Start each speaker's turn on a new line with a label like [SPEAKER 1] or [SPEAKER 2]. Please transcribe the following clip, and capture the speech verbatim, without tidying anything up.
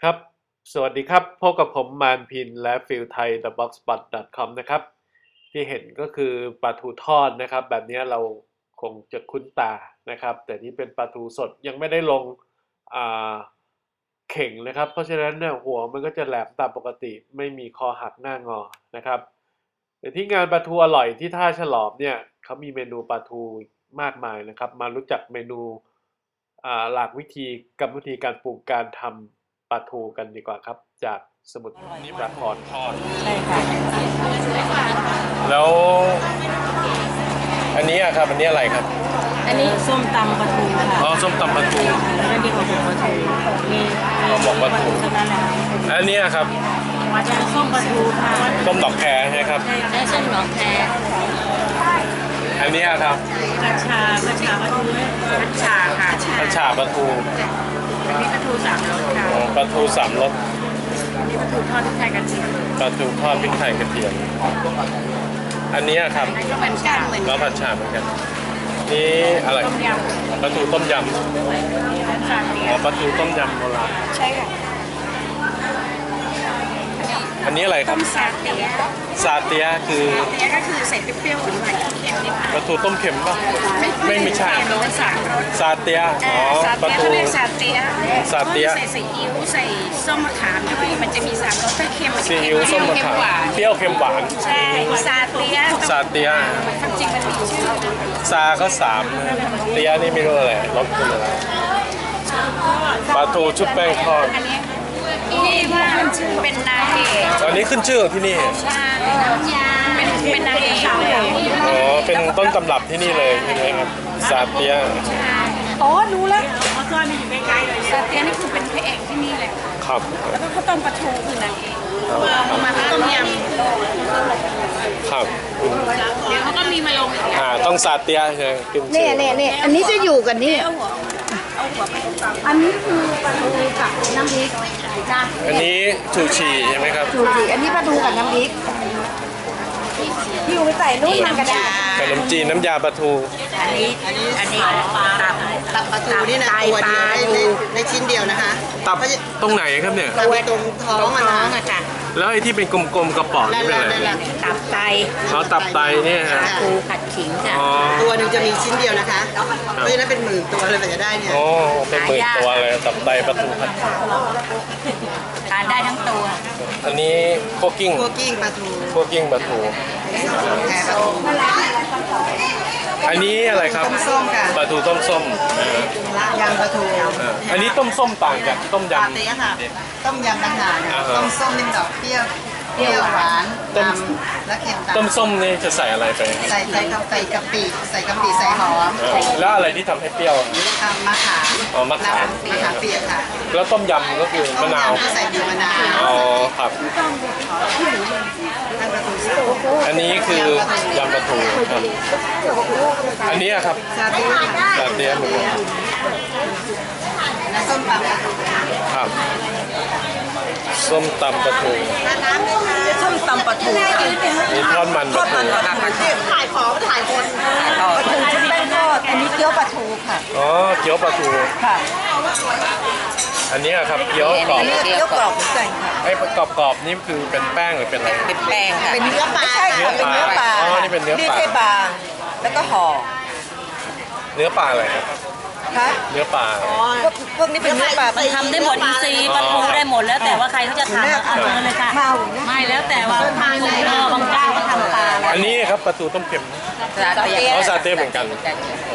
[SPEAKER 1] ครับ สวัสดีครับ พบกับผมมานพินและฟิลไทย เดอะบ็อกซ์ปอต ดอท คอม นะครับ ที่เห็นก็คือปลาทูทอดนะครับ แบบนี้เราคงจะคุ้นตานะครับ แต่นี่เป็นปลาทูสดยังไม่ได้ลงอ่าเข่งนะครับ เพราะฉะนั้นเนี่ยหัวมันก็จะแหลมตามปกติ ไม่มีคอหักหน้างอนะครับแต่ที่งานปลาทูอร่อยที่ท่าฉลอมเนี่ยเขามีเมนูปลาทูมากมายนะครับ มารู้จักเมนูอ่าหลากวิธีกรรมวิธีการปรุงการทำปลาทูกันดีกว่าครับ จากสมุทรสาครทอด
[SPEAKER 2] ใช่ค่ะ
[SPEAKER 1] แล้วอันนี้อะครับอันนี้อะไรครับ
[SPEAKER 2] อันนี้ส้มตำปลาทูค่ะ
[SPEAKER 1] อ๋อส้มตำปลาทู
[SPEAKER 2] แล้วก็นี่ของผมปลาทูมี
[SPEAKER 1] ห่อหมกปลาทู
[SPEAKER 2] เท่านั้นแหละ
[SPEAKER 1] อันนี้อะครับ
[SPEAKER 2] จะส้มปลาทูค่ะ
[SPEAKER 1] ต้มดอกแครใช่ไหมครับ
[SPEAKER 2] ใช้เส้นหนองแค
[SPEAKER 1] อันนี้อะครับ
[SPEAKER 2] กัญชากัญชาปลาทูกัญชาค่ะ
[SPEAKER 1] ผัดฉ่าปลาทู
[SPEAKER 2] อันนี้ปลาทูสามรสค่ะ
[SPEAKER 1] อ๋อปลาทูสามรส
[SPEAKER 2] อันนี้ปลาทูทอดพริกไทยกระเทียม
[SPEAKER 1] ปลาทูทอดพริกไทยกระเทียมอันนี้อะครับ
[SPEAKER 2] อันนี้ก็เหมือนกันเหมือน
[SPEAKER 1] ก็ผัดฉ่าเหมือนกันนี่อะไร
[SPEAKER 2] ต้มย
[SPEAKER 1] ปลาทูต้มยำ
[SPEAKER 2] ำกัญชาเตีย
[SPEAKER 1] อ๋อปลาทูต้มยำโบราณ
[SPEAKER 2] ใช่ค่ะ
[SPEAKER 1] อันนี้อะไรครับ
[SPEAKER 2] ซาเตีย
[SPEAKER 1] ซาเตียคือ
[SPEAKER 2] เตียก็คือใส่เปรี้ยวๆหรือใส่เค็มนิด
[SPEAKER 1] ปลาทูต้มเค็มป่ะไม่ไม่ใช่
[SPEAKER 2] รสสามรส
[SPEAKER 1] ซาเตียอ๋อ
[SPEAKER 2] ซา
[SPEAKER 1] ปลา
[SPEAKER 2] เตีย
[SPEAKER 1] ทู
[SPEAKER 2] เขาเรียกซาเตีย
[SPEAKER 1] ซาเตีย
[SPEAKER 2] ใส่ซีอิ๊วใส่ส้มมะขามด้วยมันจะมีสามรสถ้าเค็มมันจะ
[SPEAKER 1] ซี
[SPEAKER 2] เค็
[SPEAKER 1] อิ๊วส้มมะ
[SPEAKER 2] เค็
[SPEAKER 1] ขาม
[SPEAKER 2] หวาน
[SPEAKER 1] เปรี้ยวเค็มหวาน
[SPEAKER 2] ใช่ซาเตีย
[SPEAKER 1] ซาเตีย
[SPEAKER 2] ความจริงมันมีชื่อ
[SPEAKER 1] ซาก็สามนะเตียนี่ไม่รู้อะไรรสเป็นอะไรปลาทูชุบแป้งทอด
[SPEAKER 2] อันนี้นี่ว่าเป็นนางเอก
[SPEAKER 1] อันนี้ขึ้นชื่อของที่นี่
[SPEAKER 2] ใช่น้ำยาเป็นเป็นนางเอกเลย
[SPEAKER 1] อ๋อเป็นต้นตำรับที่นี่เลยใช่ไหมครับซาเตีย
[SPEAKER 2] อ๋อรู้แล้วเขาซ่อนอยู่ใกล้ๆเลยซาเตียนี่คือเป็นพระเอกที่นี่แหละ
[SPEAKER 1] ครับ
[SPEAKER 2] แล้วก็ข้าวต้มปลาทูคือนางเอก
[SPEAKER 1] ครับ
[SPEAKER 2] มาต้มย
[SPEAKER 1] ครับ
[SPEAKER 2] ำเดี๋ยวเขาก็มีมาลงอีก
[SPEAKER 1] อ่าต้องซาเตียใช่ไหมขึ้นชื่
[SPEAKER 3] เนี่ย
[SPEAKER 1] อ
[SPEAKER 3] เนี่ยเนี่ยอันนี้จะอยู่กันนี่
[SPEAKER 2] เอาหัวเอาหัวไปตำ
[SPEAKER 3] อันนี้คือปลาทูกับน้ำพริกจ้ะ
[SPEAKER 1] อันนี้ชูชีใช่ไหมครับ
[SPEAKER 3] ถูกสิอันนี้ปลาทูกับน้ำพริกที่อยู่ไปใส่นุ่มมันกระดาษ
[SPEAKER 1] ขนมจีนน้ำยาปลาทู
[SPEAKER 2] อันนี้อันนี้อันนี้ตับ
[SPEAKER 4] ตับปลาทูนี่นะตัวเดียวในในในชิ้นเดียวนะคะ
[SPEAKER 1] ตับตรงไหนครับเนี่ย
[SPEAKER 4] ตับตรงท้องอะ
[SPEAKER 2] ท้อง
[SPEAKER 4] นะ
[SPEAKER 2] อะจ้ะ
[SPEAKER 1] แล้วไอ้ที่เป็นกลมๆกระป๋อง
[SPEAKER 4] นั่
[SPEAKER 1] นี่
[SPEAKER 4] น
[SPEAKER 1] เป็น
[SPEAKER 4] แหละ
[SPEAKER 1] อะไร
[SPEAKER 4] นั่นแหละ
[SPEAKER 2] ตับไต
[SPEAKER 1] เขาตับไตเนี่ยฮะ
[SPEAKER 2] ปูผัดขิงจ้ะ
[SPEAKER 1] อ๋อ
[SPEAKER 4] ตัวหนึ่งจะมีชิ้นเดียวนะคะ เพราะฉะนั้นเป็นหมื่นตัวเลยกว่าจะได้เนี่ย
[SPEAKER 1] โอ้เป็นหมื่นตัวเลยตับไตปลาทูผัด
[SPEAKER 2] ทานได้ทั้งตัว
[SPEAKER 1] อันนี้โคกิ้ง
[SPEAKER 4] คั่วกิ้งปลาทู
[SPEAKER 1] โคกิ้งปลาทู
[SPEAKER 4] แค่ปลาทู
[SPEAKER 1] อันนี้อะไรครับ
[SPEAKER 4] ต้มส้มค่ะ
[SPEAKER 1] ปลาทูต้มส้มอ่าย
[SPEAKER 4] ำปลาทู
[SPEAKER 1] อ่าอันนี้ต้มส้มต่างจากต้ม
[SPEAKER 4] ปลาย เตี้ยค่ะ ต้มยำต่างหากค่ะ
[SPEAKER 1] อ่าฮะ
[SPEAKER 4] ต้มส้มนี่มันออกเปรี้ยวเปรี้ยวหวาน
[SPEAKER 1] ต้ม
[SPEAKER 4] ดำและเค็ม
[SPEAKER 1] ต้ม
[SPEAKER 4] ตำ
[SPEAKER 1] ส้มนี่จะใส่อะไรไป
[SPEAKER 4] ใส่ใส่กะใส่กะปิใส่กะปิใส่หอม
[SPEAKER 1] อ่าแล้วอะไรที่ทำให้เปรี้ยว
[SPEAKER 4] ทำมะขาม
[SPEAKER 1] อ๋อมะขาม
[SPEAKER 4] มะขามเปียกค่ะ
[SPEAKER 1] แล้วต้มยำก็คือ
[SPEAKER 4] ต้
[SPEAKER 1] มะ
[SPEAKER 4] ม
[SPEAKER 1] นาว
[SPEAKER 4] ยำก็ใส่บีบมะนาว
[SPEAKER 1] อ๋อครับ
[SPEAKER 4] ทางปลาทูสับ
[SPEAKER 1] อันนี้คือยำปลาทูครับอันนี้อะครับ
[SPEAKER 4] ซาเตียค่ะ
[SPEAKER 1] ซาเตียเหมือนกัน
[SPEAKER 4] และส้มตำปลาทู
[SPEAKER 1] ครับส้มตำปลาทู
[SPEAKER 3] ส้มตำปลาทู
[SPEAKER 1] มีทอดมันปลาทู
[SPEAKER 4] ถ่ายของถ่ายคน
[SPEAKER 3] ปลาทูชุบแป้งทอดอันนี้เกี๊ยวปลาทูค่ะ
[SPEAKER 1] อ๋อเกี๊ยวปลาทู
[SPEAKER 3] ค่ะ
[SPEAKER 1] อันนี้อะครับเกี๊ยวกรอบ
[SPEAKER 3] อันนี้เกี๊ยวกรอบเหมือนกันค่ะ
[SPEAKER 1] ไอ้กรอบๆนี่คือเป็นแป้งหรือเป็นอะไร
[SPEAKER 2] เป็นแป้งค่ะ
[SPEAKER 3] เป็นเนื้อปลาใช่ค่ะเป็นเนื้อปลา
[SPEAKER 1] อ๋อนี่เป็นเนื้อปลา
[SPEAKER 3] นี่ใช่ปลาแล้วก็ห่อ
[SPEAKER 1] เนื้อปลาอะไรครับ
[SPEAKER 3] ค่ะ
[SPEAKER 1] เนื้อปลา
[SPEAKER 3] พวกพวกนี้เป็นเนื้อปลา
[SPEAKER 2] มันทำได้หมดอินทรีย์ปลาทูได้หมดแล้วแต่ว่าใครเขาจะทำเอามาเลยค่ะ
[SPEAKER 3] ข้าว
[SPEAKER 2] ไม่แล้วแต่ว่าทานเลยเออบางเจ้าก็ทำปลา
[SPEAKER 1] อันนี้ครับปลาทูต้มเค็ม
[SPEAKER 2] ซาเตีย
[SPEAKER 1] อ๋อซาเต้เหมือนกัน
[SPEAKER 2] ซ